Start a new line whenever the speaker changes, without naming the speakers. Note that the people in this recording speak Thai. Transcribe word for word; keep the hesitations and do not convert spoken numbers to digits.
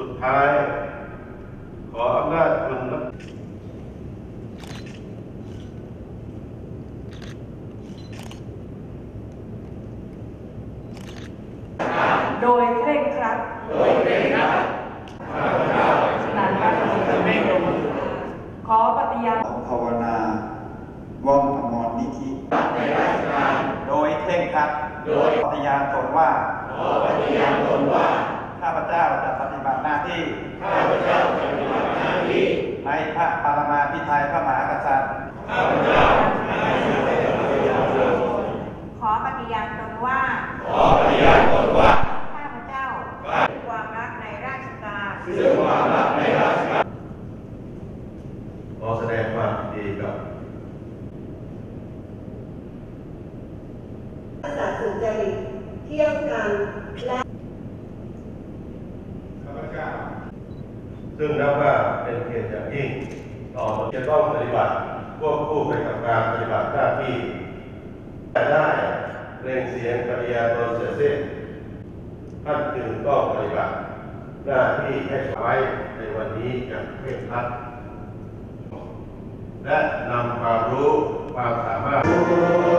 ดท้ายขออำนาจคุณ
โดยเคร่งครัดโดยเคร่งครัดข้าพเจ้าฉะนั้นการจะไม่ลงขอปฏิญาณ
ภาวนาว่องอมรนิธิในราชการโดยเคร่งครัดโดยปฏิญาณตนว่าขอปฏิญาณตนว่าข้าพเจ้าจะปฏิบัติหน้าที่ข้าพเจ้าจะปฏิบัติหน้าที่ในพระปรมาภิไธยพระมหากษัตริย์ข้าพเจ้า
ขอปฏิญาณตนว่า
ขอปฏิญาณตนว่า
ข้าพเจ้าด้วยความรักในราชการ
ด้วยความรักในราชการ
ขอแสดงความยินดีกับ
สัตย์สุจริตเที่ยงธรรมและ
ข้าพเจ้าซึ่งนับว่าเป็นเกียรติอย่างยิ่งต่อจะต้องปฏิบัติควบคู่ไปกับการปฏิบัติหน้าที่ได้เร่งเสียงปฏิญาณตนเสร็จสิ้นท่านจึงต้องปฏิบัติหน้าที่ให้ไว้ในวันนี้อย่างเคร่งครัดและนำความรู้ความสามารถ